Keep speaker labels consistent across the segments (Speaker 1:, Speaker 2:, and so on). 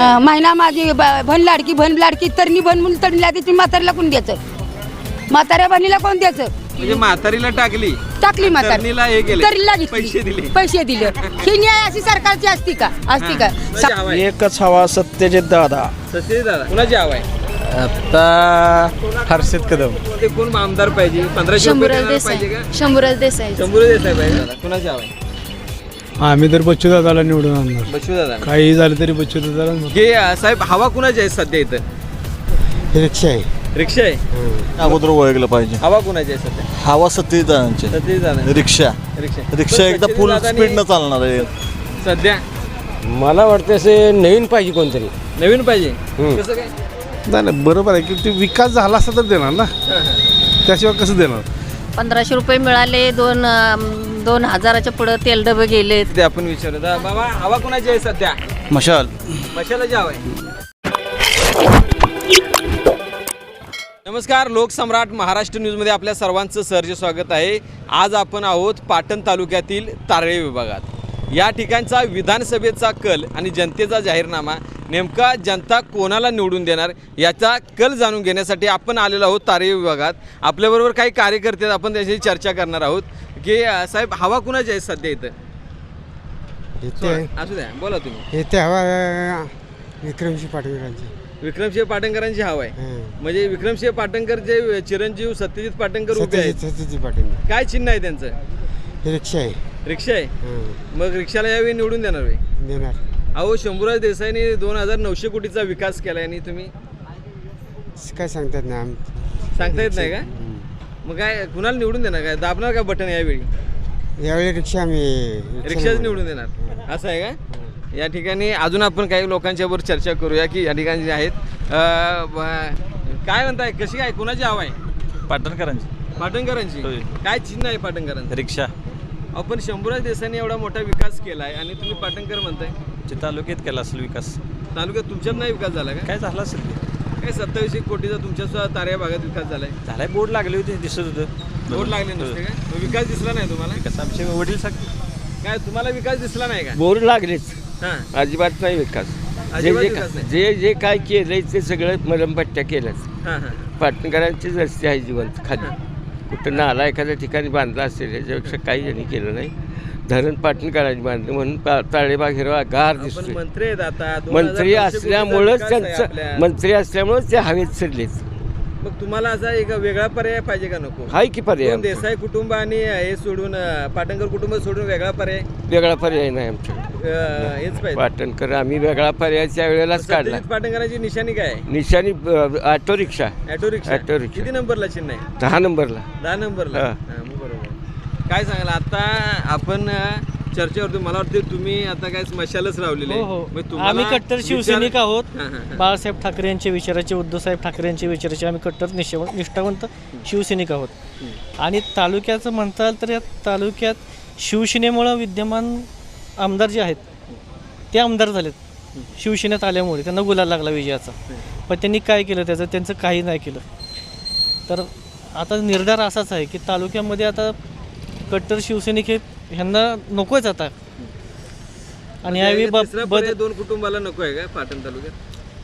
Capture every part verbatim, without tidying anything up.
Speaker 1: महिना माझी ब- भन लाडकी भन लाडकी तरणी भन म्हणून तरणी लादी तुम्ही म्हातारीला कोण द्यायचं? म्हाताऱ्या बहिणीला कोण द्यायचं?
Speaker 2: म्हणजे म्हातारीला टाकली
Speaker 1: टाकली म्हातारी
Speaker 2: तरणीला हे केलं
Speaker 1: तरीला घेतली.
Speaker 2: पैसे दिले
Speaker 1: पैसे दिले ही न्याय अशी सरकारची असती का? असती का?
Speaker 2: कुणाची हवा आहे?
Speaker 3: एकच हवा सत्यजित दादा.
Speaker 2: सत्यजित दादा कुणाची हवा आहे?
Speaker 3: आता हर्षित कदम.
Speaker 2: ते कोण आमदार पाहिजे? पंधराशे रुपये
Speaker 4: शंभूराज
Speaker 2: देणारा पाहिजे
Speaker 4: देसाई
Speaker 2: का?
Speaker 4: शंभूराज देसाई
Speaker 2: शंभर देसाई पाहिजे दादा. कुणाची हवा आहे?
Speaker 3: आम्ही तर बच्चू दादाला निवडून आणणार.
Speaker 2: बच्चू दादा
Speaker 3: काही झालं तरी बच्चू दादाला.
Speaker 2: हे अ, साहेब हवा कुणाची आहे सध्या इथं?
Speaker 3: रिक्षा आहे.
Speaker 2: रिक्षा आहे.
Speaker 5: अगोदर ओळखलं पाहिजे.
Speaker 2: हवा कुणाची आहे सध्या?
Speaker 5: हवा सत्यजितांचे.
Speaker 2: सत्यजित दादा
Speaker 5: रिक्षा
Speaker 2: रिक्षा
Speaker 5: रिक्षा एकदा
Speaker 2: सत्यजित
Speaker 5: फुल
Speaker 2: दादानी
Speaker 5: स्पीडनं चालणार आहे.
Speaker 2: सध्या
Speaker 6: मला वाटतं असे नवीन पाहिजे कोणतरी.
Speaker 2: नवीन पाहिजे.
Speaker 6: हम्म.
Speaker 2: कसं काय?
Speaker 3: नाही नाही बरोबर आहे की ते विकास झाला असता तर देणार ना, त्याशिवाय कसं देणार?
Speaker 4: पंधराशे रुपये मिळाले. दोन अं, दोन हजाराच्या पुढं तेल डबे गेले.
Speaker 2: ते आपण विचारू दा- बाबा हवा कुणाची आहे सध्या?
Speaker 5: मशाल
Speaker 2: मशालाची हवा आहे. नमस्कार, लोकसम्राट महाराष्ट्र न्यूजमध्ये आपल्या सर्वांचं सहर्ष स्वागत आहे. आज आपण आहोत पाटण तालुक्यातील तारळे विभागात. या ठिकाणचा विधानसभेचा कल आणि जनतेचा जाहीरनामा, नेमका जनता कोणाला निवडून देणार याचा कल जाणून घेण्यासाठी आपण आलेलो आहोत तारळे विभागात. आपल्याबरोबर काही कार्यकर्ते आहेत, आपण त्याची चर्चा करणार आहोत की अ, साहेब हवा कुणाची आहे सध्या इथं? असू द्या, बोला तुम्ही.
Speaker 7: येते हवा विक्रमशी पाटील
Speaker 2: विक्रमसिंह पाटणकरांची हवा आहे. म्हणजे विक्रमसिंह पाटणकर जे चिरंजीव सत्यजित पाटणकर उभे आहेत,
Speaker 7: सत्यजित पाटील
Speaker 2: काय चिन्ह आहे त्यांचं?
Speaker 7: रिक्षा आहे.
Speaker 2: रिक्षा आहे. मग रिक्षाला यावेळी निवडून देणार वे?
Speaker 7: देणार.
Speaker 2: अहो शंभूराज देसाईंनी दोन हजार नऊशे कोटीचा विकास केलाय आणि तुम्ही
Speaker 7: काय सांगतात ना आम
Speaker 2: सांगता येत नाही का? मग काय कुणाला निवडून देणार? काय दाबणार का बटन यावेळी?
Speaker 7: यावेळी रिक्षा आम्ही
Speaker 2: रिक्षाच निवडून देणार असं आहे का? या ठिकाणी अजून आपण काही लोकांच्यावर चर्चा करूया की या ठिकाणी जे आहेत अं, ब- काय म्हणताय, कशी काय कुणाची हवा आहे?
Speaker 5: पाटणकरांची
Speaker 2: पाटणकरांची. काय चिन्ह आहे पाटणकरांचं?
Speaker 5: रिक्षा.
Speaker 2: आपण शंभूराज देसाईंनी एवढा मोठा विकास केलाय आणि तुम्ही पाटणकर म्हणताय.
Speaker 5: तालुक्यात केला असेल विकास.
Speaker 2: तालुक्यात तुमच्यात नाही विकास झाला का?
Speaker 5: काय झाला असेल
Speaker 2: काय सत्तावीसशे कोटीचा तुमच्या सुद्धा ताऱ्या भागात विकास झालाय?
Speaker 5: झालाय. बोर्ड लागले होते दिसत होतं.
Speaker 2: बोर्ड लागले नसते का? मग विकास दिसला नाही तुम्हाला?
Speaker 5: विकास आमचे वडील सांगते.
Speaker 2: काय तुम्हाला विकास दिसला नाही का?
Speaker 6: बोर लागलेच.
Speaker 2: हा,
Speaker 6: अजिबात नाही विकास. जे
Speaker 2: अजिबात
Speaker 6: जे
Speaker 2: विकास नाही.
Speaker 6: जे जे काय केलंय ते सगळं मलमपट्ट्या केल्याच.
Speaker 2: हा, हा.
Speaker 6: पाटणकरांचीच रस्ते आहे जिवंत खाली. कुठं नाला एखाद्या ठिकाणी बांधला असेल याच्यापेक्षा काही त्यांनी केलं नाही. धरण पाटणकरांनी बांधलं म्हणून पा- ताळेबाग हिरवा गार
Speaker 2: आपण
Speaker 6: दिसतोय.
Speaker 2: मंत्री आहेत आता. दोन हजार
Speaker 6: मंत्री
Speaker 2: नऊशे कोटीचा
Speaker 6: असल्यामुळंच
Speaker 2: विकास आहे
Speaker 6: त्यांचं
Speaker 2: आपल्या.
Speaker 6: मंत्री असल्यामुळंच ते हवेत चढलेच.
Speaker 2: मग तुम्हाला असा एक वेगळा पर्याय पाहिजे का नको?
Speaker 6: हाय की पर्याय
Speaker 2: दोन
Speaker 6: आमचा.
Speaker 2: देसाई कुटुंब आणि हे सोडून अं, पाटणकर कुटुंब सोडून वेगळा पर्याय
Speaker 6: वेगळा पर्याय नाही आमच्याकडे.
Speaker 2: अं, हेच पाहिजे.
Speaker 6: पाटणकर आम्ही वेगळा पर्याय त्या वेळेलाच काढला.
Speaker 2: सत्यजित पाटणकरांची निशाणी काय आहे?
Speaker 6: निशाणी अ, auto rickshaw.
Speaker 2: Auto rickshaw.
Speaker 6: Auto rickshaw.
Speaker 2: किती नंबरला चिन्ह आहे?
Speaker 6: दहा नंबरला.
Speaker 2: दहा नंबरला.
Speaker 6: हा.
Speaker 2: हा, मग बरोबर. काय सांगाल आता आपण अं, चर्चेवरती मला वाटते तुम्ही आता काय मशालच रावलेले
Speaker 8: हो हो आम्ही कट्टर शिवसैनिक आहोत. बाळासाहेब ठाकरे यांच्या विचाराचे, उद्धवसाहेब ठाकरे यांच्या विचाराचे आम्ही कट्टर निष्ठा निष्ठावंत शिवसैनिक आहोत. आणि तालुक्याचं म्हणता तर या तालुक्यात शिवसेनेमुळं विद्यमान आमदार जे आहेत ते आमदार झालेत. शिवसेनेत आल्यामुळे त्यांना गुलाल लागला विजयाचा. पण त्यांनी काय केलं त्याचं? त्यांचं काही नाही केलं. तर आता निर्धार असाच आहे की तालुक्यामध्ये आता कट्टर शिवसैनिक हे ह्यांना नकोच आता. आणि यावेळी ब-
Speaker 2: तिसरा
Speaker 8: बद-
Speaker 2: पर्याय दोन कुटुंबाला नको आहे का पाटण तालुक्यात?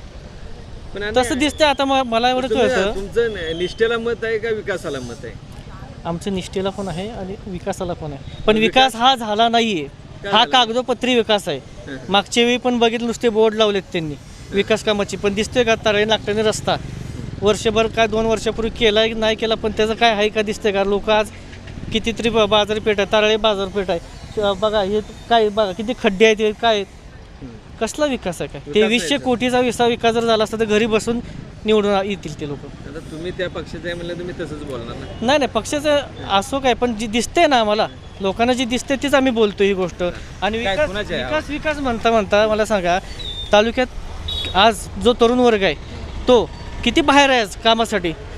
Speaker 2: पण आणि-
Speaker 8: तसं दिसतंय आता म- मला एवढं
Speaker 2: तुम्ही-
Speaker 8: कळतं.
Speaker 2: तुमचं न- निष्ठेला मत आहे का विकासाला मत आहे?
Speaker 8: आमचं निष्ठेला पण आहे आणि विकासाला पण आहे. पण विकास हा झाला नाहीये. हा कागदोपत्री विकास आहे. मागच्या वेळी पण बघितलं नुसते बोर्ड लावलेत त्यांनी विकास कामाची. पण दिसतोय का तारळे नागटाने रस्ता वर्षभर काय दोन वर्षापूर्वी केला नाही केला, पण त्याचं काय आहे का दिसतंय का? लोक आज कितीतरी ब- बाजारपेठ आहे, तारळे बाजारपेठ आहे. श- बघा हे काय, बघा किती खड्डे आहेत, हे काय आहेत? कसला विकास आहे काय? तेवीसशे कोटीचा विसा विकास जर झाला असता तर घरी बसून निवडून येतील ते लोक.
Speaker 2: आता तुम्ही त्या पक्षाचे आहे म्हणलं तुम्ही तसंच बोलणार ना?
Speaker 8: नाही नाही पक्षाचं असो काय, पण जी दिसते ना आम्हाला लोकांना जी दिसते तीच आम्ही बोलतो ही गोष्ट. आणि
Speaker 2: काय,
Speaker 8: विकास
Speaker 2: कुणाची आहे?
Speaker 8: विकास विकास म्हणता म्हणता मला सांगा, तालुक्यात आज जो तरुण वर्ग आहे तो किती बाहेर आहे आज कामासाठी.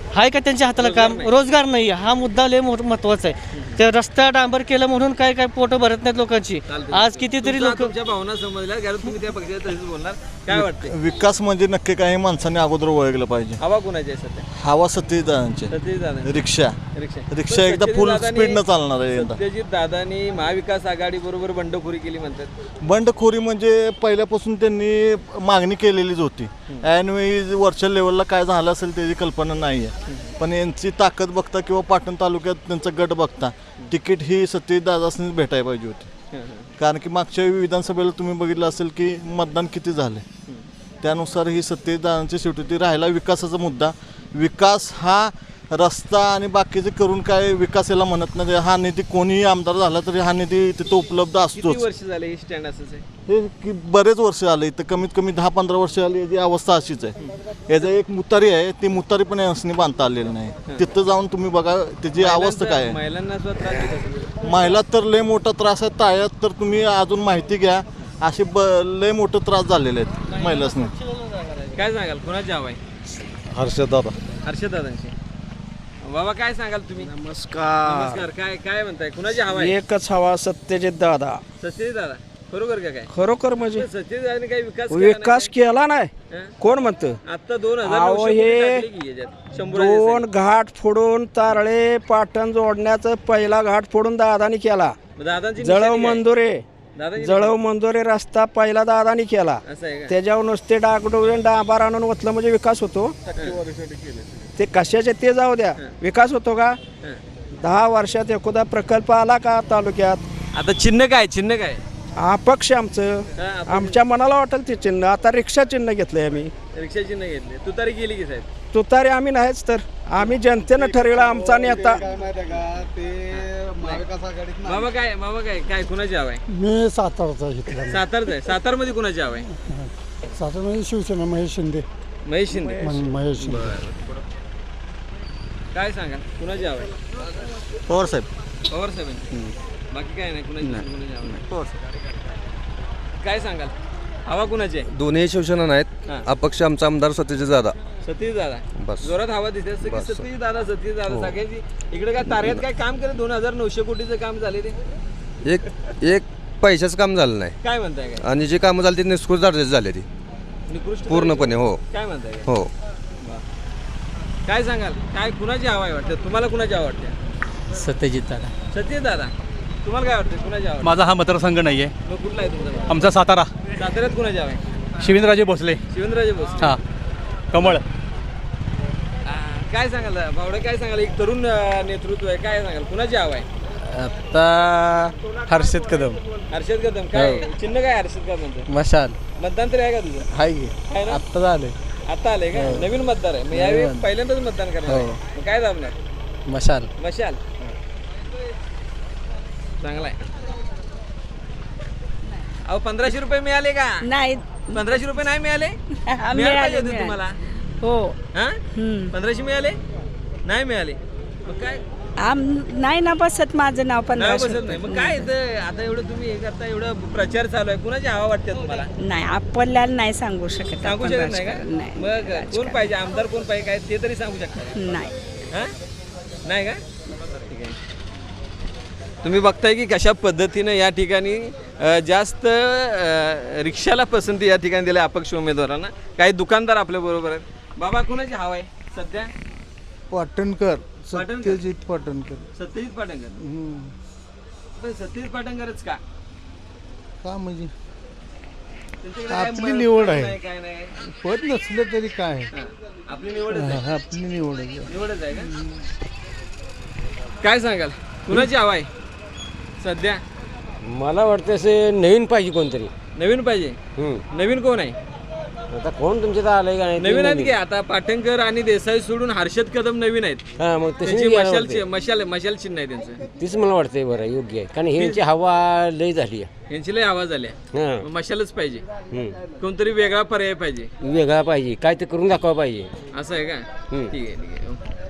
Speaker 8: आहे का त्यांच्या हाताला काम? रोजगार नाही. हा मुद्दा लय मोठ महत्वाचा आहे. ते रस्ता डांबर केलं म्हणून काय काय पोटं भरत नाहीत लोकांची. आज कितीतरी
Speaker 2: तुमचा-
Speaker 8: लोक
Speaker 2: तुमच्या भावना समजल्या कारण तुम्ही त्या पक्षाच्या तसेच बोलणार. काय वाटते
Speaker 9: विकास म्हणजे नक्की काही माणसाने अगोदर ओळखलं पाहिजे.
Speaker 2: हवा कोणाची आहे सध्या?
Speaker 9: हवा सत्यजित दादांचे.
Speaker 2: सत्यजित दादा
Speaker 9: रिक्षा
Speaker 2: रिक्षा
Speaker 9: रिक्षा एकदा फुल स्पीडनं चालणार आहे यंदा.
Speaker 2: सत्यजित दादांनी महाविकास आघाडी बरोबर बंडखोरी केली म्हणतात.
Speaker 9: बंडखोरी म्हणजे पहिल्यापासून त्यांनी मागणी केलेलीच होती. ऐनवेळी वरच्या लेवलला काय झालं असेल त्याची कल्पना नाही आहे. पण यांची ताकद बघता किंवा पाटण तालुक्यात त्यांचा गट बघता तिकीट ही सत्यजित दादासनीच भेटायला पाहिजे होती. कारण की मागच्या विधानसभेला तुम्ही बघितलं असेल की मतदान किती झाले त्यानुसार ही सत्यजित दादांची शेवटी ती राहिला विकासाचा मुद्दा. विकास हा रस्ता आणि बाकीचे करून काय विकास याला म्हणत नाही. हा निधी कोणीही आमदार झाला तरी हा निधी तिथं उपलब्ध
Speaker 2: किती
Speaker 9: असतोच.
Speaker 2: वर्ष झाले ही स्टँड असंच आहे?
Speaker 9: हे की बरेच वर्ष आले इथं कमीत कमी दहा पंधरा वर्ष आली याची अवस्था अशीच आहे. याचं एक मुतारी आहे ती मुतारी पण यांनी बांधता आलेली नाही. तिथं जाऊन तुम्ही बघा त्याची अवस्था काय आहे.
Speaker 2: महिलांना सुद्धा त्रास देत असेल.
Speaker 9: महिला तर लय मोठा त्रास आहे. ताळ्यात तर तुम्ही अजून माहिती घ्या असे ब लय मोठे त्रास झालेले आहेत महिलांनी.
Speaker 2: काय सांगाल कुणाची हवा आहे?
Speaker 3: हर्षद दादा.
Speaker 2: हर्षद दादांची. बाबा काय सांगाल तुम्ही?
Speaker 10: नमस्कार.
Speaker 2: नमस्कार. काय काय म्हणताय कुणाची हवा आहे?
Speaker 10: एकच हवा सत्यजित दादा.
Speaker 2: सत्यजित दादा बरोबर का? काय
Speaker 10: खरोखर म्हणजे
Speaker 2: सत्यजित दादाने काही विकास
Speaker 10: विकास केला नाही. कोण म्हणतं?
Speaker 2: आता दोन हजार
Speaker 10: अहो,
Speaker 2: नऊशे
Speaker 10: हे
Speaker 2: कोटी टाकले की याच्यात. शंभर
Speaker 10: दोन घाट फोडून तारळे पाटण जोडण्याचा पहिला घाट फोडून दादानी केला.
Speaker 2: दादांची
Speaker 10: जळव
Speaker 2: निशाणी काय?
Speaker 10: मंदुरे
Speaker 2: दादांची
Speaker 10: जळव मंदुरे रस्ता पहिला दादानी केला.
Speaker 2: असं आहे का?
Speaker 10: त्याच्यावर नुसते डागडोळून डांबार आणून ओतलं म्हणजे विकास होतो. ते कशाचे ते जाऊ द्या. विकास होतो का? दहा वर्षात एखादा प्रकल्प आला का तालुक्यात?
Speaker 2: आता चिन्ह काय? चिन्ह काय?
Speaker 10: अपक्ष आमचं
Speaker 2: हा, अपक्ष.
Speaker 10: आमच्या मनाला वाटेल ते चिन्ह. आता रिक्षा चिन्ह घेतलंय आम्ही.
Speaker 2: रिक्षा चिन्ह घेतले. तुतारी गेली की साहेब?
Speaker 10: तुतारी आम्ही नाहीच तर आम्ही जनतेनं ठरविला आमचा नेता.
Speaker 2: मामा काय मामा काय काय कुणाची हवा आहे?
Speaker 7: मी सातारचा घेतला.
Speaker 2: सातारचं आहे. सातारमध्ये कुणाची हवा आहे?
Speaker 7: सातारमध्ये शिवसेना महेश शिंदे.
Speaker 2: महेश शिंदे.
Speaker 7: महेश शिंदे.
Speaker 2: काय सांगा कुणाची हवा आहे?
Speaker 9: पवार साहेब.
Speaker 2: पवार साहेबांची. बाकी काय नाही कुणाची कुणाची हवा नाही.
Speaker 9: पवार साहेब.
Speaker 2: काय सांगाल हवा कुणाची आहे?
Speaker 11: दोन्ही शिवसेना नाहीत.
Speaker 2: हां.
Speaker 11: अपक्ष आमचा आमदार सत्यजित दादा.
Speaker 2: सतीश दादा
Speaker 11: बस.
Speaker 2: जोरात हवा दिसते असं की
Speaker 11: बस.
Speaker 2: सतीश दादा सतीश दादा सगळ्यांची इकडे काय ताऱ्यात काय काम केलं? दोन हजार नऊशे कोटीचं काम झाले ते
Speaker 11: एक एक पैशाचं काम झालं नाही
Speaker 2: काय म्हणताय? काय
Speaker 11: आणि जे कामं झाली ते निष्कृत दर्जाची झाली ती
Speaker 2: निकृष्ट
Speaker 11: पूर्णपणे. हो
Speaker 2: काय म्हणताय?
Speaker 11: हो.
Speaker 2: काय सांगाल काय कुणाची हवा आहे वाटतं तुम्हाला? कुणाची हवा वाटते?
Speaker 8: सत्यजित दादा.
Speaker 2: सतीश दादा तुम्हाला काय वाटतं कुणाची हवा?
Speaker 8: माझा हा मतदारसंघ नाही आहे.
Speaker 2: मग कुठला आहे तुमचा?
Speaker 8: आमचा सातारा.
Speaker 2: साताऱ्यात कुणाची हवा आहे?
Speaker 8: शिवेंद्रराजे भोसले.
Speaker 2: शिवेंद्रराजे भोसले.
Speaker 8: हां कमळ.
Speaker 2: काय सांगाल भावडे? काय सांगाल? एक तरुण अं, नेतृत्व आहे. काय सांगाल कुणाची हवा आहे?
Speaker 10: आता हर्षद कदम.
Speaker 2: हर्षद कदम. काय चिन्ह काय हर्षद कदमचं?
Speaker 10: मशाल
Speaker 2: मतदान तरी आहे का तुझं?
Speaker 10: हाय
Speaker 2: आहे ना?
Speaker 10: आत्ता झाले.
Speaker 2: आता आले का? नवीन मतदार आहे. मग यावेळी पहिल्यांदाच मतदान करणार आहे. मग काय दाबणार?
Speaker 10: मशाल.
Speaker 2: मशाल. चांगला आहे. अहो पंधराशे रुपये मिळाले का?
Speaker 1: नाही
Speaker 2: पंधराशे रुपये नाही मिळाले? मिळाले पाहिजे होते तुम्हाला.
Speaker 1: हो.
Speaker 2: हा पंधराशे मिळाले नाही मिळाले? मग काय
Speaker 1: आम नाही ना बसत माझं नाव
Speaker 2: नाही
Speaker 1: पंधराशे
Speaker 2: बसत नाही. मग काय इथं आता एवढं तुम्ही हे करता एवढं प्रचार चालू आहे कुणाची हवा वाटते तुम्हाला?
Speaker 1: नाही आपल्याला नाही सांगू शकत.
Speaker 2: सांगू
Speaker 1: आपण
Speaker 2: शकत नाही का?
Speaker 1: राजकारण नाही.
Speaker 2: मग कोण पाहिजे आमदार कोण पाहिजे काय ते तरी सांगू शकता?
Speaker 1: नाही.
Speaker 2: हा नाही का? ठीक आहे. तुम्ही बघताय की कशा पद्धतीनं या ठिकाणी अ, जास्त अ, रिक्षाला पसंती या ठिकाणी दिल्या अपक्ष उमेदवारांना. काही दुकानदार आपल्या बरोबर आहेत. बाबा कुणाची हवा आहे सध्या?
Speaker 3: पाटणकर.
Speaker 2: पाटणकर?
Speaker 3: सत्यजित पाटणकर.
Speaker 2: सत्यजित पाटणकर. पण सत्यजित पाटणकरच का?
Speaker 3: का म्हणजे
Speaker 2: त्यांच्याकडे काय
Speaker 3: आपली
Speaker 2: मत
Speaker 3: निवड आहे.
Speaker 2: नाही, काय नाही.
Speaker 3: पद नसलं तरी काय
Speaker 2: हा. आपली निवडच आहे.
Speaker 3: आपली निवड आहे.
Speaker 2: निवडच आहे का? काय सांगाल कुणाची हवा आहे सध्या?
Speaker 6: मला वाटतं असे नवीन पाहिजे कोणतरी.
Speaker 2: नवीन पाहिजे. नवीन कोण आहे?
Speaker 6: आता कोण तुमच्या तर आलंय का नाही?
Speaker 2: नवीन आहेत की आता पाटणकर आणि देसाई सोडून हर्षद कदम नवीन आहेत.
Speaker 6: हा मग
Speaker 2: त्यांची
Speaker 6: तशी
Speaker 2: मशाल चि- मशाल मशाल चिन्ह आहे त्यांचं.
Speaker 6: तीच मला वाटतंय बरं योग्य आहे कारण ह्यांची हवा लय झाली आहे.
Speaker 2: यांची लय आवाज आल्या.
Speaker 6: हां.
Speaker 2: मग मशालच पाहिजे.
Speaker 6: हम्म.
Speaker 2: कोणतरी वेगळा पर्याय पाहिजे.
Speaker 6: वेगळा पाहिजे काय ते करून दाखवा पाहिजे.
Speaker 2: असं आहे का?
Speaker 6: हम्म.
Speaker 2: ठीक आहे ठीक आहे.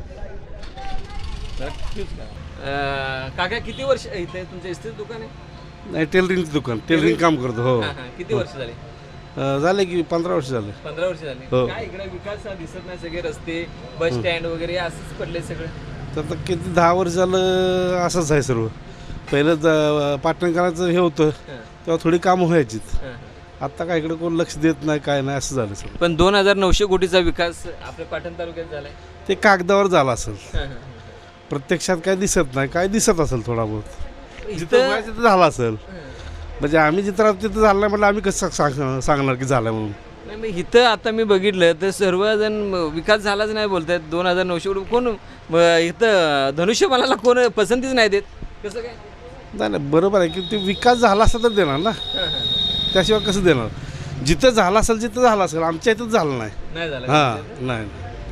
Speaker 2: अं, काका किती वर्ष इथे तुमचं इस्त्री दुकान आहे?
Speaker 3: नाही टेलरिंगचं दुकान टेलरिंग काम करतो. हो
Speaker 2: हां, हां. किती वर्ष झाली?
Speaker 3: अं, झाले की पंधरा वर्ष झाले.
Speaker 2: पंधरा वर्ष झाले.
Speaker 3: हो.
Speaker 2: काय इकडे विकास हा दिसत नाही, सगळे रस्ते बस स्टँड वगैरे असंच पडले सगळं.
Speaker 3: तर आता किती दहा वर्ष झालं असंच आहे सर्व. पहिलं ज- पाटणकरांचं हे होतं तेव्हा थोडी कामं व्हायचीत. आत्ता काय इकडे कोण लक्ष देत नाही, काय नाही, असं झालं सगळं.
Speaker 2: पण दोन हजार नऊशे कोटीचा विकास आपल्या पाटण तालुक्यात झालाय.
Speaker 3: ते कागदावर झालं असेल, प्रत्यक्षात काय दिसत नाही. काय दिसत असेल थोडा बहुत, जिथं व्हायचं तिथं झालं असेल. म्हणजे आम्ही जिथं राहतो तिथं झालं नाही, म्हटलं आम्ही कसं सांग सांगणार की झालं म्हणून.
Speaker 2: नाही मग इथं आता मी बघितलं तर सर्वजण विकास झालाच नाही बोलतायत. दोन हजार नऊशे कोटी कोण म, इथं धनुष्यबाणाला कोण पसंतीच नाही देत. कसं काय?
Speaker 3: नाही नाही, बरोबर आहे की ते विकास झाला असता तर देणार ना, त्याशिवाय कसं देणार. जिथं झालं असेल जिथं झालं असेल, आमच्या इथंच झालं नाही.
Speaker 2: नाही झालं.
Speaker 3: हां नाही.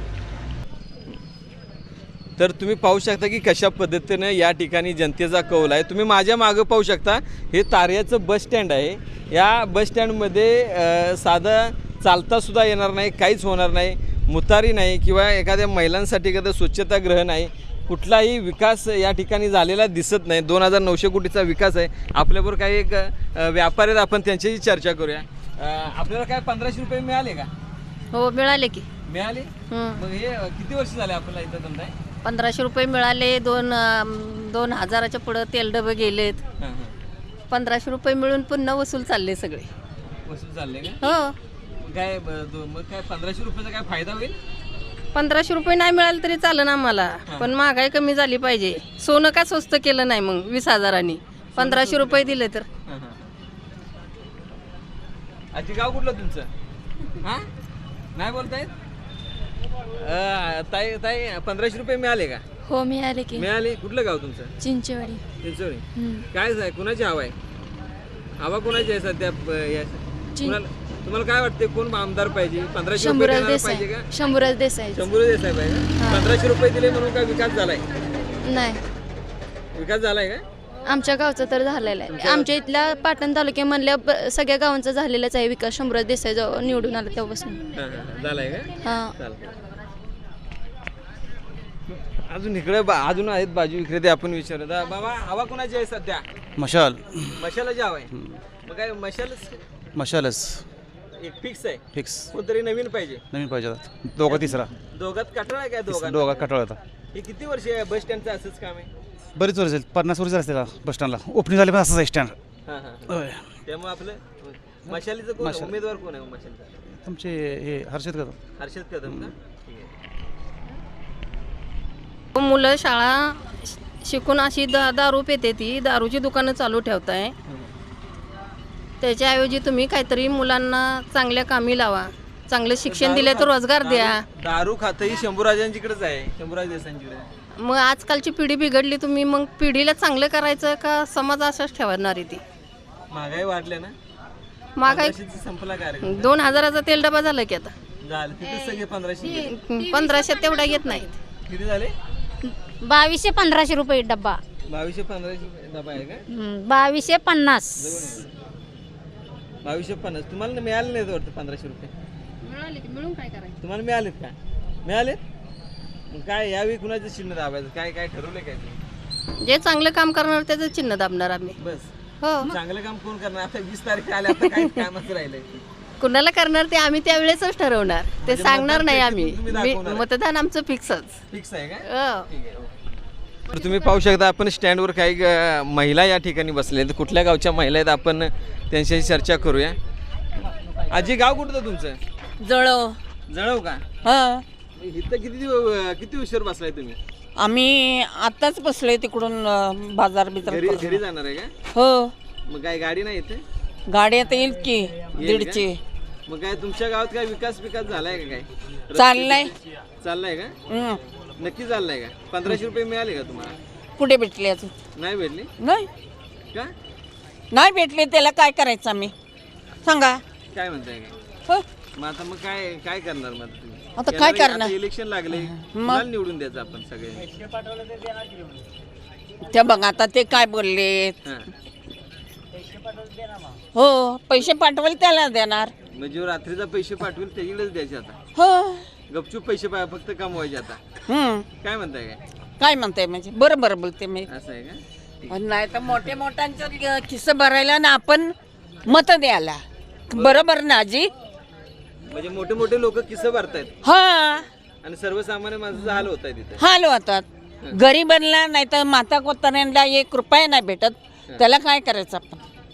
Speaker 2: तर तुम्ही पाहू शकता की कशा पद्धतीनं या ठिकाणी जनतेचा कौल आहे. तुम्ही माझ्या मागं पाहू शकता, हे तार्याचं बस स्टँड आहे. या बस स्टँडमध्ये अ, साधं चालतासुद्धा येणार नाही, काहीच होणार नाही. मुतारी नाही किंवा एखाद्या महिलांसाठी एखादं स्वच्छतागृह नाही. कुठलाही विकास या ठिकाणी झालेला दिसत नाही. दोन हजार नऊशे कोटीचा विकास आहे. आपल्याबरोबर काही एक अ, व्यापारी आहेत, आपण त्यांच्याशी चर्चा करूया. अ, आपल्याला काय पंधराशे रुपये मिळाले का?
Speaker 4: हो मिळाले की.
Speaker 2: मिळाले.
Speaker 4: हं.
Speaker 2: मग हे अ, किती वर्ष झाले आपल्याला इथं धंदा आहे?
Speaker 4: पंधराशे रुपये मिळाले. दोन अं, दोन हजाराच्या पुढं तेल डबे गेलेत.
Speaker 2: हां हां.
Speaker 4: पंधराशे रुपये मिळून पुन्हा वसूल चालले सगळे.
Speaker 2: वसूल चालले का?
Speaker 4: हो.
Speaker 2: काय ब- दो- मग काय पंधराशे रुपयाचा काय फायदा होईल?
Speaker 4: पंधराशे रुपये नाही मिळाले तरी चालेल आम्हाला, पण महागाई कमी झाली पाहिजे. सोनं का स्वस्त केलं नाही मग वीस हजारांनी? पंधराशे रुपये दिले तर.
Speaker 2: हां हां. आजी गाव कुठलं तुमचं? हां नाही बोलतायत? अ, ताई ताई पंधराशे रुपये मिळाले का?
Speaker 12: हो मिळाले की.
Speaker 2: मिळाले. कुठलं गाव तुमचं?
Speaker 12: चिंचवडी.
Speaker 2: चिंचोळी. काय आहे कुणाची हवा आहे? हवा कोणाची आहे सध्या ब- या- कुणाला तुम्हाला काय वाटते कोण आमदार पाहिजे? पंधराशे रुपये
Speaker 12: शंभूराज
Speaker 2: देणारा
Speaker 12: देसाई.
Speaker 2: पाहिजे का?
Speaker 12: शंभूराज देसाई.
Speaker 2: शंभूराज देसाई पाहिजे. पंधराशे रुपये दिले म्हणून काय विकास झालाय?
Speaker 12: नाही,
Speaker 2: विकास झालाय का?
Speaker 12: आमच्या गावचं तर झालेलं आहे. आमच्या इथल्या पाटण तालुक्यामधल्या ब- सगळ्या गावांचा झालेलाच आहे विकास. शंभूराज देसाई जेव्हा निवडून आला तेव्हापासून.
Speaker 2: हां हां झालाय का?
Speaker 12: हां.
Speaker 2: चालतंय. अजून इकडे बा- अजून आहेत बाजू विक्रेते, आपण विचारत बाबा हवा कोणाची आहे सध्या?
Speaker 5: मशाल
Speaker 2: मशालाची हवा आहे. मग काय मशालच
Speaker 5: मशालच
Speaker 2: एक फिक्स आहे?
Speaker 5: फिक्स
Speaker 2: कोणतरी नवीन पाहिजे.
Speaker 5: नवीन पाहिजे दोघा तिसरा
Speaker 2: दोघात कटाळ आहे काय? दोघात
Speaker 5: दोघा कटाळ होता.
Speaker 2: हे किती वर्ष आहे बस स्टँडचं असंच काम आहे?
Speaker 5: बरीच वर्ष पन्नास वर्ष असते का बस स्टँडला ओपनिंग झाले पण असंच आहे स्टँड.
Speaker 2: हां हां. त्यामुळे आपलं मशालीचं कोण आहे? उमेदवार कोण आहे मशालीचा?
Speaker 5: तुमचे हे हर्षद कदम.
Speaker 2: हर्षद कदम का? ठीक आहे.
Speaker 4: मुलं शाळा शिकून अशी दा दारू पेते, ती दारूची दुकानं चालू ठेवताय. त्याच्याऐवजी तुम्ही काहीतरी मुलांना चांगल्या कामी लावा, चांगलं शिक्षण दिले तर रोजगार द्या.
Speaker 2: दारू खातही शंभूराजांकडे आहे, शंभूराज देसांकडे.
Speaker 4: मग आजकालची पिढी बिघडली, तुम्ही मग पिढीला चांगलं करायचं का समाज असाच ठेवणार आहे? ती
Speaker 2: महागाई वाढल्या ना,
Speaker 4: महागाई
Speaker 2: पंधराशेचा संपला कार्यक्रम.
Speaker 4: दोन हजाराचा तेल डबा झाला की आता.
Speaker 2: झालं तिथे सगळे पंधराशे.
Speaker 4: पंधराशे तेवढा येत नाहीत.
Speaker 2: किती झाले?
Speaker 12: बावीसशे पंधराशे रुपये डब्बा.
Speaker 2: बावीसशे पंधराशे डबा आहे का?
Speaker 12: बावीसशे पन्नास.
Speaker 2: बावीसशे पन्नास तुम्हाला मिळाले नाहीत वाटतं पंधराशे रुपये?
Speaker 4: मिळाले की मिळून काय करायचं?
Speaker 2: तुम्हाला मिळालेत का? मिळालेत. मग काय यावेळी कुणाचं चिन्ह दाबायचं? काय काय ठरवलं काय ते?
Speaker 4: जे चांगलं काम करणार त्याचं चिन्ह दाबणार आम्ही.
Speaker 2: बस.
Speaker 4: हो.
Speaker 2: चांगलं काम कोण करणार? आता वीस तारीख आल्या, आता काही कामच राहिलंय.
Speaker 4: कुणाला करणार ते आम्ही त्यावेळेसच ठरवणार, ते
Speaker 2: म्हणजे
Speaker 4: सांगणार नाही
Speaker 2: मतदान
Speaker 4: आम्ही.
Speaker 2: तुम्ही
Speaker 4: मी-
Speaker 2: दाखवणार.
Speaker 4: मतदान आमचं फिक्सच.
Speaker 2: फिक्स आहे का?
Speaker 4: हो.
Speaker 2: ठीक आहे. तर तुम्ही पाहू शकता, आपण स्टँडवर काही अ, महिला या ठिकाणी बसल्या आहेत. कुठल्या गावच्या महिला आहेत आपण त्यांच्याशी चर्चा करूया. आजी गाव कुठलं तुमचं?
Speaker 13: जळव.
Speaker 2: जळव का?
Speaker 13: हा.
Speaker 2: इथं किती दिव- किती उशीर बसलाय तुम्ही?
Speaker 13: आम्ही आत्ताच बसलोय तिकडून अं, बाजार बिजार
Speaker 2: घरी
Speaker 13: करून.
Speaker 2: घरी जाणार आहे का?
Speaker 13: हो.
Speaker 2: मग काय गाडी नाही इथे?
Speaker 13: गाडी आता येईल की
Speaker 2: येईल का?
Speaker 13: दीडची.
Speaker 2: मग काय तुमच्या गावात काय विकास विकास झालाय का? काय रस्ते-
Speaker 13: चाललाय.
Speaker 2: चाललाय का?
Speaker 13: हं.
Speaker 2: नक्की चाललाय का? पंधराशे रुपये मिळाले का तुम्हाला?
Speaker 13: कुठे भेटले अजून?
Speaker 2: नाही भेटले
Speaker 13: नाही
Speaker 2: का?
Speaker 13: नाही भेटले, त्याला काय करायचं आम्ही सांगा.
Speaker 2: काय म्हणताय काय?
Speaker 13: हो.
Speaker 2: मग आता मग काय काय करणार मग तुम्ही?
Speaker 13: आता काय
Speaker 2: येणारे-
Speaker 13: करणार?
Speaker 2: आता इलेक्शन लागले, कुणाला निवडून द्यायचं आपण सगळे?
Speaker 13: ते बघ आता ते काय बोलले.
Speaker 2: हां.
Speaker 13: हो, पैसे पाठवले त्याला देणार.
Speaker 2: म्हणजे रात्रीचा पैसे पाठवून त्याच्याकडेच द्यायचे आता.
Speaker 13: हो.
Speaker 2: गपचूप पैसे पा- फक्त कमवायचे आता.
Speaker 13: हम्म.
Speaker 2: काय म्हणताय काय?
Speaker 13: काय म्हणताय म्हणजे बरं बरं बोलते मी.
Speaker 2: असं आहे का?
Speaker 13: नाही तर मोठे मोठ्यांचं खिस्स भरायला ना आपण मत द्यायला. बरोबर ना आजी.
Speaker 2: म्हणजे मोठे मोठे लोक किस्से भरतायत
Speaker 13: हा
Speaker 2: आणि सर्वसामान्य माणसाचा हाल होत आहे तिथे.
Speaker 13: हाल होतात. गरीबांना नाही तर माता कोताऱ्यांना एक रुपया नाही भेटत, त्याला काय करायचं आपण.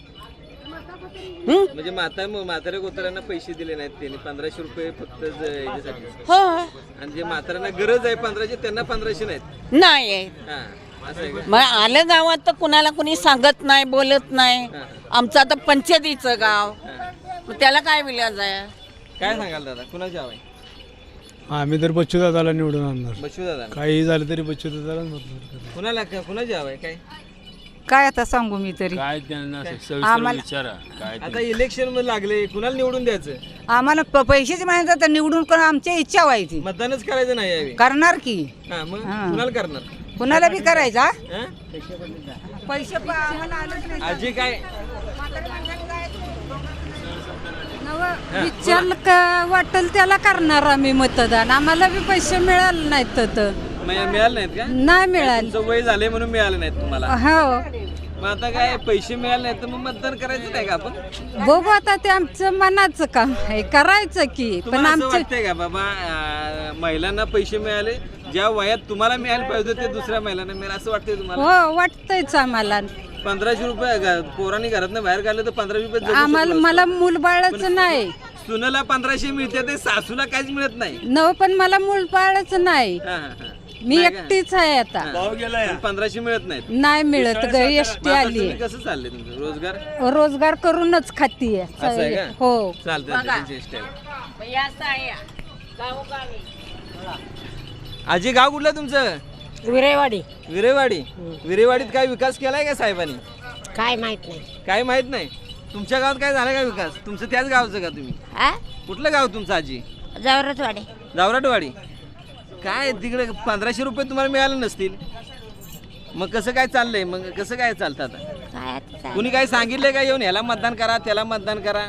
Speaker 2: म्हणजे माता म्हाताऱ्या कोताऱ्यांना पैसे दिले नाहीत त्यांनी पंधराशे रुपये फक्त ज- याच्यासाठी.
Speaker 13: हो
Speaker 2: आणि जे म्हाताऱ्यांना गरज आहे पंधराशे त्यांना पंधराशे नाहीत.
Speaker 13: नाही.
Speaker 2: हा असं आहे का?
Speaker 13: मग आलं गावात तर कुणाला कुणी सांगत नाही, बोलत नाही. आमचं आता पंचायतीचं गाव, मग त्याला काय विलाज आहे.
Speaker 2: काय सांगाल दादा कुणाची हवा आहे?
Speaker 7: आम्ही तर बच्चू दादाला निवडून आणणार.
Speaker 2: बच्चू दादा
Speaker 7: काही झालं तरी बच्चू दादाला मतदान करणार.
Speaker 2: कुणाला कुणाची हवा आहे काय?
Speaker 1: काय आता सांगू मी तरी
Speaker 6: काय त्यांना
Speaker 1: आम्हाला
Speaker 6: विचारा काय
Speaker 2: आता इलेक्शन मध्ये लागले कुणाला निवडून द्यायचं?
Speaker 1: आम्हाला प- पैशाचे माहिती तर निवडून करून आमची इच्छा व्हायची
Speaker 2: मतदानच करायचं नाही यावेळी.
Speaker 1: करणार की
Speaker 2: हा मग
Speaker 1: हा.
Speaker 2: कुणाला करणार?
Speaker 1: कुणाला बी करायचा
Speaker 2: हा?
Speaker 1: पैसे प- आम्हाला आलंच नाही.
Speaker 2: आजी काय
Speaker 1: विचार का वाटेल त्याला करणार आम्ही मतदान. आम्हाला बी पैसे मिळाले नाहीत तर
Speaker 2: मिळा- मिळाले नाहीत का?
Speaker 1: नाही मिळाले.
Speaker 2: तुमचं वय झाले म्हणून मिळाले नाहीत तुम्हाला.
Speaker 1: हो
Speaker 2: मग आता काय पैसे मिळाले नाहीत तर मग मतदान करायचं नाही का आपण?
Speaker 1: बघू आता ते आमचं मनाचं काम आहे करायचं की पण
Speaker 2: तुम्हाला असं
Speaker 1: आमचं
Speaker 2: वाटतंय का बाबा अं, महिलांना पैसे मिळाले ज्या वयात तुम्हाला मिळायला पाहिजे होते ते दुसऱ्या महिलांना मिळाले असं वाटतंय तुम्हाला?
Speaker 1: हो वाटतंयच आम्हाला.
Speaker 2: पंधराशे रुपये घ- पोरांनी घरातनं बाहेर काढलं तर पंधराशे रुपये जगू
Speaker 1: आम्हाला
Speaker 2: शकलो
Speaker 1: मला
Speaker 2: असतो.
Speaker 1: मूल बाळच नाही.
Speaker 2: सुनेला पंधराशे मिळते ते सासूला काहीच मिळत नाही.
Speaker 1: नव पण मला मूल बाळच नाही.
Speaker 2: हा, हा, हा.
Speaker 1: मी
Speaker 2: नाही का?
Speaker 1: एकटीच आहे आता.
Speaker 2: पण पंधराशे मिळत नाहीत.
Speaker 1: नाही मिळत ग एसटी
Speaker 2: मग आता
Speaker 1: आली
Speaker 2: तुम्ही कसं चाललंय तुमचं रोजगार?
Speaker 1: रोजगार करूनच खातीये.
Speaker 2: असं आहे का?
Speaker 1: हो
Speaker 2: चालतंय त्यांची स्टाईल. आजी गाव कुठलं तुमचं?
Speaker 1: विरेवाडी.
Speaker 2: विरेवाडी. विरेवाडीत काय विकास केलाय का साहेबांनी?
Speaker 1: काय माहित नाही.
Speaker 2: काय माहित नाही. तुमच्या गावात काय झालं का विकास? तुमचं त्याच गावचं का तुम्ही? कुठलं गाव तुमचं आजी?
Speaker 1: जवळचवाडी.
Speaker 2: जावराटवाडी. काय तिकडे पंधराशे रुपये तुम्हाला मिळाले नसतील मग कसं काय चाललंय? मग कसं काय चालतं आता? कुणी काय सांगितलंय का येऊन ह्याला मतदान करा त्याला मतदान करा?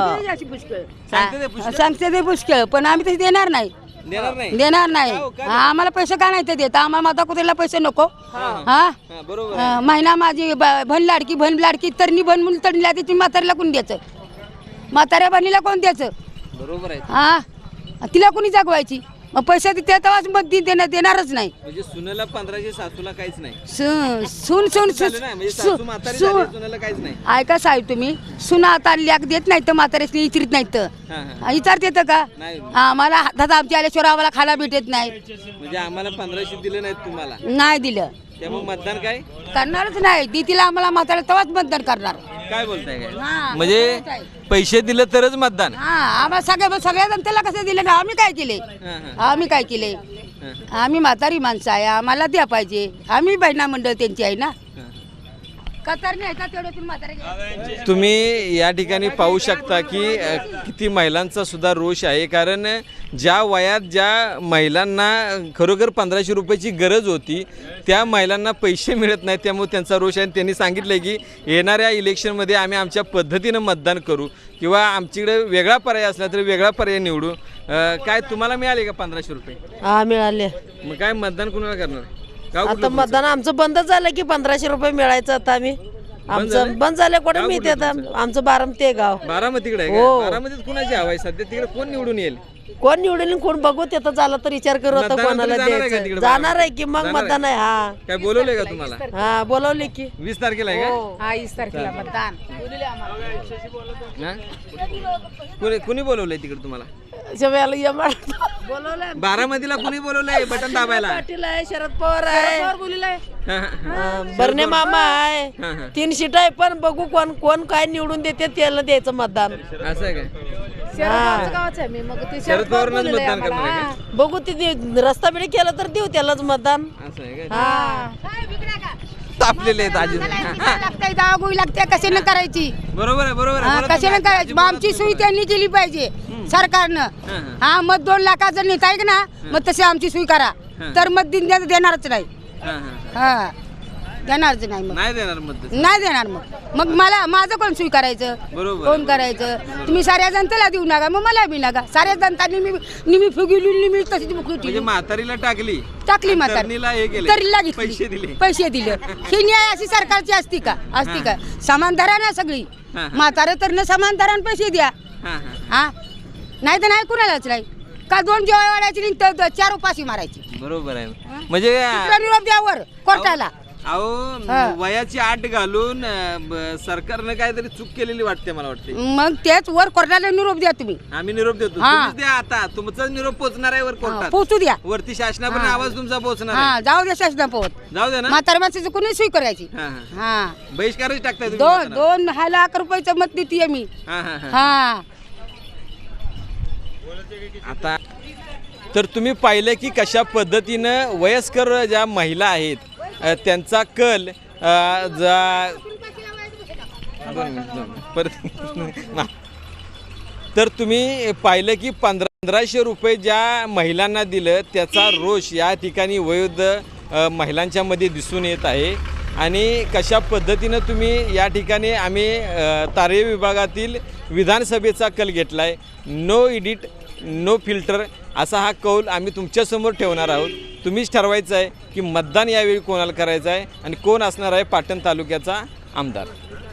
Speaker 2: सांगते ते पुष्कळ?
Speaker 1: सांगते ते पुष्कळ पण आम्ही तसे देणार नाही.
Speaker 2: देणार नाही.
Speaker 1: देणार नाही.
Speaker 2: का हो? का
Speaker 1: हा, आम्हाला पैसे का नाही ते देत आम्हाला माता कुत्रीला पैसे नको. हा
Speaker 2: हा, बरोबर आहे.
Speaker 1: अं, महिना माझी ब- भन लाडकी भन लाडकी तरणी भन मुली तरणी लादी तुम्ही म्हाताऱ्याला कोण द्यायचं? म्हाताऱ्या बहिणीला कोण द्यायचं?
Speaker 2: बरोबर आहे.
Speaker 1: हा तिला कोणी जागवायची? मग पैसे ते तेव्हाच मग ती देणार देणारच नाही.
Speaker 2: म्हणजे सुनेला पंधराशे सासूला काहीच नाही.
Speaker 1: सु- सून सून
Speaker 2: झालं ना? म्हणजे
Speaker 1: सु-
Speaker 2: सासू म्हातारी
Speaker 1: सु-
Speaker 2: झाली, सुनेला काहीच नाही.
Speaker 1: ऐका साहेब तुम्ही सुना आता लेख देत नाही तर म्हाताऱ्यासनी इचरीत नाहीत तर
Speaker 2: हा, हा.
Speaker 1: विचारत येतं का?
Speaker 2: नाही.
Speaker 1: आम्हाला हातात आमच्या आल्याशिवाय आम्हाला खायला भेटत नाही.
Speaker 2: म्हणजे आम्हाला पंधराशे दिले नाहीत तुम्हाला
Speaker 1: नाही दिलं
Speaker 2: त्यामुळे मतदान काय
Speaker 1: करणारच नाही. ती तिला आम्हाला म्हाताऱ्या तेव्हाच मतदान करणार.
Speaker 2: काय बोलताय काय?
Speaker 1: हा,
Speaker 2: म्हणजे
Speaker 1: बरोबर आहे.
Speaker 2: पैसे दिले तरच मतदान?
Speaker 1: हा आम्हाला सगळ्या सगळ्या जनतेला कसं दिलं ना आम्ही काय केले?
Speaker 2: हा, हा.
Speaker 1: आम्ही काय केले? आम्ही म्हातारी माणसं आहे आम्हाला द्या पाहिजे. आम्ही बहिणा मंडळ त्यांची आहे ना. कतारने आहे का तेवढं तुम्ही म्हातारे?
Speaker 2: तुम्ही या ठिकाणी पाहू शकता की अ, किती महिलांचा सुद्धा रोष आहे. कारण ज्या वयात ज्या महिलांना खरोखर पंधराशे रुपयाची गरज होती त्या महिलांना पैसे मिळत नाहीत त्यामुळे त्यांचा रोष आहे. आणि त्यांनी सांगितलं की येणाऱ्या इलेक्शनमध्ये आम्ही आमच्या पद्धतीनं मतदान करू किंवा आमच्याकडे वेगळा पर्याय असला तरी वेगळा पर्याय निवडू. अ, काय तुम्हाला मिळाले का पंधराशे रुपये?
Speaker 4: हा मिळाले.
Speaker 2: मग काय मतदान कुणाला करणार? गाव कुठलं
Speaker 4: आता
Speaker 2: तुमचं?
Speaker 4: मतदान आमचं बंद झालं की पंधराशे रुपये मिळायचं आता आम्ही
Speaker 2: झालंय?
Speaker 4: आमचं बंद झालं कुठे
Speaker 2: गाव
Speaker 4: मिळते
Speaker 2: कुठलं
Speaker 4: आता
Speaker 2: तुमचं?
Speaker 4: आमचं बारामती आहे गाव.
Speaker 2: बारामतीकडे आहे
Speaker 4: हो.
Speaker 2: का? बारामतीत कुणाची हवा आहे सध्या? तिकडे कोण निवडून येईल?
Speaker 4: कोण निवडेल कोण बघू तिथं झालं तर विचार करू आता
Speaker 2: मतदानाला
Speaker 4: कोणाला
Speaker 2: तुम्ही जाणार आहे का
Speaker 4: द्यायचं.
Speaker 2: तिकडे
Speaker 4: जाणार आहे
Speaker 2: बारामतीत?
Speaker 4: की मग
Speaker 2: जाणार
Speaker 4: मतदान आहे. हा
Speaker 2: काय बोलवलंय का तुम्हाला?
Speaker 4: हा बोलवले की
Speaker 2: वीस तारखेला आहे का?
Speaker 1: हा वीस तारखेला मतदान.
Speaker 2: हा? कुणी कुणी बोलवलंय तिकडे तुम्हाला?
Speaker 4: बोलवलं
Speaker 2: बारामतीला कुणी बोलवलंय बटन दाबायला?
Speaker 4: पाटील आहे शरद पवार आहे
Speaker 2: हा, हा, हा.
Speaker 4: हा, बर्ने मामा आहे
Speaker 2: हा, हा.
Speaker 4: तीन सीट आहे पण बघू कोण कोण काय निवडून देते त्याला द्यायचं मतदान.
Speaker 2: असं आहे काय?
Speaker 4: हा.
Speaker 2: शरद पवारांनाच मतदान करणार आहे का?
Speaker 4: बघू ते रस्ता बिडी केला तर देऊ त्यालाच मतदान.
Speaker 2: असं आहे का?
Speaker 4: हा
Speaker 2: तापलेले आहेत आजी.
Speaker 1: लागतंय दागोई लागते कशाने करायची?
Speaker 2: बरोबर आहे बरोबर आहे.
Speaker 1: हा,
Speaker 2: बोला
Speaker 1: कशाने
Speaker 2: तुम्ही.
Speaker 1: करायची? मग आमची सोयी त्यांनी केली पाहिजे सरकारनं.
Speaker 2: हा, हा.
Speaker 1: हा मग दोन लाखात जर नेता ना मग तशी आमची सोयी करा
Speaker 2: हा.
Speaker 1: तर मत दिन देणारच नाही.
Speaker 2: हा, हा.
Speaker 1: हा देणारच नाही मग
Speaker 2: नाही देणार मत
Speaker 1: नाही देणार मग मग मला माझं कोण स्वीकारायचं
Speaker 2: बरोबर
Speaker 1: कोण करायचं तुम्ही साऱ्या जनतेला देऊ नका मग मला बी नका साऱ्या जनतांनी मी निमी फुगिली निमी तशीच बुकली
Speaker 2: म्हणजे
Speaker 1: ठेवली.
Speaker 2: म्हातारीला टाकली
Speaker 1: टाकली
Speaker 2: आणि
Speaker 1: म्हातारी
Speaker 2: तरुणीला हे केलं
Speaker 1: तरीला घेतली.
Speaker 2: पैसे दिले
Speaker 1: पैसे दिले ही न्याय अशी सरकारची असती का असती का समानधारा ना सगळी
Speaker 2: हा, हा.
Speaker 1: म्हातारं तर न समानधारान पैसे द्या
Speaker 2: हा, हा.
Speaker 1: हा नाही तर नाही कुणालाच नाही का दोन जेवाय वाढायची नाही तर तर चार उपाशी मारायची
Speaker 2: बरोबर आहे म्हणजे
Speaker 1: दुसरा निरोप द्यावर कोर्टाला
Speaker 2: अहो वयाची आठ घालून अं, ब- सरकारनं काहीतरी चूक केलेली वाटते मला वाटते
Speaker 1: मग तेच वर कोर्टाला निरोप द्या तुम्ही
Speaker 2: आम्ही निरोप देतो
Speaker 1: हा.
Speaker 2: तुम्हीच द्या आता तुमचा निरोप पोहोचणार आहे वर कोर्टात
Speaker 1: पोचू द्या
Speaker 2: वरती शासनापर्यंत
Speaker 1: हा.
Speaker 2: आवाज तुमचा पोहोचणार
Speaker 1: हा
Speaker 2: आहे
Speaker 1: जाऊ द्या शासना पोहत
Speaker 2: जाऊ दे ना
Speaker 1: म्हातार माणसाचं कोणी स्वीकारायची
Speaker 2: हा, हा.
Speaker 1: हा
Speaker 2: बहिष्कारच टाकताय तुम्ही
Speaker 1: दोन
Speaker 2: मतदानावर.
Speaker 1: दोन हा लाख रुपयाचं मत देते मी
Speaker 2: हा, हा, हा.
Speaker 1: हा
Speaker 2: आता तर तुम्ही पाहिलं की कशा पद्धतीनं वयस्कर ज्या महिला आहेत अ, त्यांचा कल अ, जा दोन मिनिट, दोन मिनिट. परत ना. तर तुम्ही पाहिलं की पंधरा पंधराशे रुपये ज्या महिलांना दिलं त्याचा रोष या ठिकाणी वयोवृद्ध अ, महिलांच्या मध्ये दिसून येत आहे आणि कशा पद्धतीनं तुम्ही या ठिकाणी आम्ही अ, तारे विभागातील विधानसभेचा कल घेतला आहे नो एडिट नो फिल्टर असा हा कौल आम्ही तुमच्यासमोर ठेवणार आहोत तुम्हीच ठरवायचं आहे की मतदान यावेळी कोणाला करायचं आहे आणि कोण असणार आहे पाटण तालुक्याचा आमदार.